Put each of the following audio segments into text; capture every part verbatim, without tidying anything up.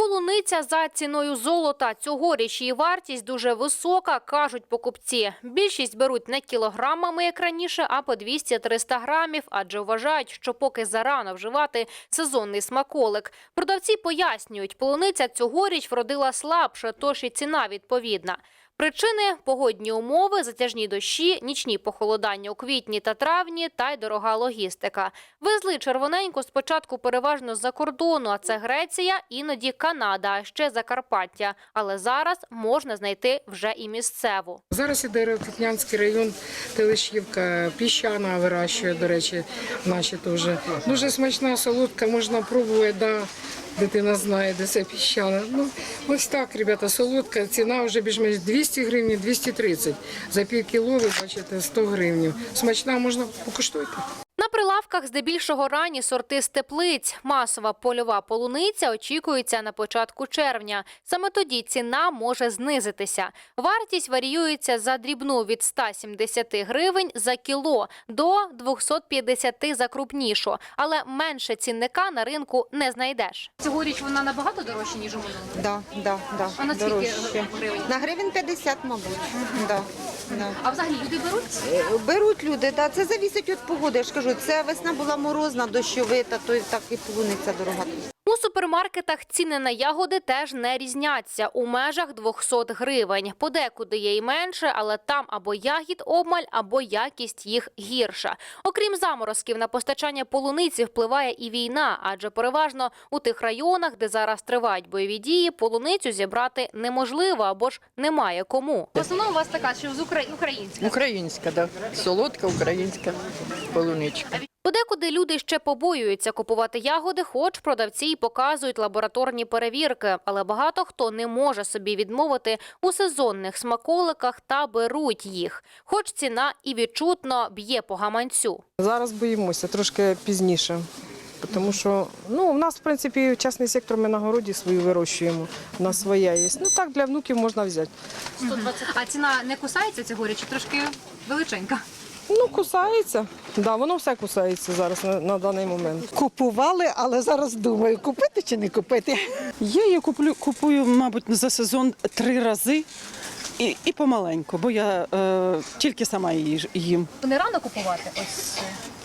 Полуниця за ціною золота. Цьогоріч її вартість дуже висока, кажуть покупці. Більшість беруть не кілограмами, як раніше, а по двісті-триста грамів, адже вважають, що поки зарано вживати сезонний смаколик. Продавці пояснюють, полуниця цьогоріч вродила слабше, тож і ціна відповідна. Причини – погодні умови, затяжні дощі, нічні похолодання у квітні та травні та й дорога логістика. Везли червоненьку спочатку переважно з-за кордону, а це Греція, іноді Канада, а ще Закарпаття. Але зараз можна знайти вже і місцеву. Зараз іде Рокитнянський район, Телешівка, Піщана вирощує, до речі, наші теж. Дуже смачна, солодка, можна пробувати, да. Дитина знає, де це Піщана. Ну, ось так, ребята, солодка, ціна вже більш-менш двісті гривень, двісті тридцять. За пів кіло, ви бачите, сто гривень. Смачна, можна покуштуйте. На прилавках здебільшого ранні сорти з теплиць. Масова польова полуниця очікується на початку червня. Саме тоді ціна може знизитися. Вартість варіюється за дрібну від ста сімдесяти гривень за кіло до двохсот п'ятдесяти за крупнішу. Але менше цінника на ринку не знайдеш. Цьогоріч вона набагато дорожча, ніж у минулому? Да, да, да. А на скільки Дорожче. гривень? На гривень п'ятдесят, мабуть. Угу. Да, да. А взагалі люди беруть? Беруть люди, да. Це залежить від погоди. Я ж кажу, це весна була морозна, дощовита, то і так і полуниця дорога. У супермаркетах ціни на ягоди теж не різняться – у межах двохсот гривень. Подекуди є і менше, але там або ягід обмаль, або якість їх гірша. Окрім заморозків, на постачання полуниці впливає і війна, адже переважно у тих районах, де зараз тривають бойові дії, полуницю зібрати неможливо або ж немає кому. В основному у вас така, що з українська? Українська, так. Да. Солодка українська полуничка. Подекуди люди ще побоюються купувати ягоди, хоч продавці й показують лабораторні перевірки. Але багато хто не може собі відмовити у сезонних смаколиках та беруть їх. Хоч ціна і відчутно б'є по гаманцю. Зараз боїмося, трошки пізніше. Тому що ну, у нас, в принципі, частний сектор, ми на городі свою вирощуємо, у нас своя є. Ну так, для внуків можна взяти. сто двадцять. А ціна не кусається цьогоріч, чи трошки величенька? Ну, кусається. Да, воно все кусається зараз на, на даний момент. Купували, але зараз думаю, купити чи не купити. Я її куплю, купую, мабуть, за сезон три рази і, і помаленьку, бо я е, тільки сама її їм. Не рано купувати? Ось.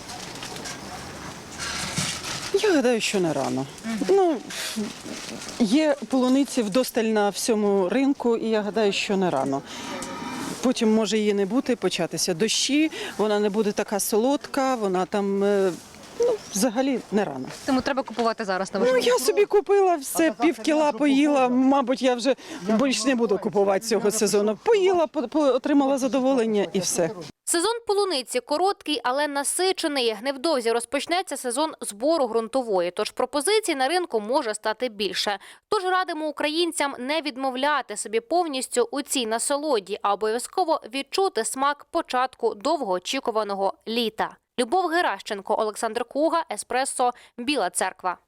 Я гадаю, що не рано. Угу. Ну, є полуниці вдосталь на всьому ринку, і я гадаю, що не рано. Потім може її не бути, початися дощі, вона не буде така солодка, вона там, ну, взагалі не рано. Тому треба купувати зараз на Ну, я собі купила все, пів кіла поїла, мабуть, я вже більш не буду купувати цього сезону. Поїла, отримала задоволення і все. Сезон полуниці короткий, але насичений. Невдовзі розпочнеться сезон збору ґрунтової, тож пропозицій на ринку може стати більше. Тож радимо українцям не відмовляти собі повністю у цій насолоді, а обов'язково відчути смак початку довгоочікуваного літа. Любов Геращенко, Олександр Куга, Еспресо, Біла Церква.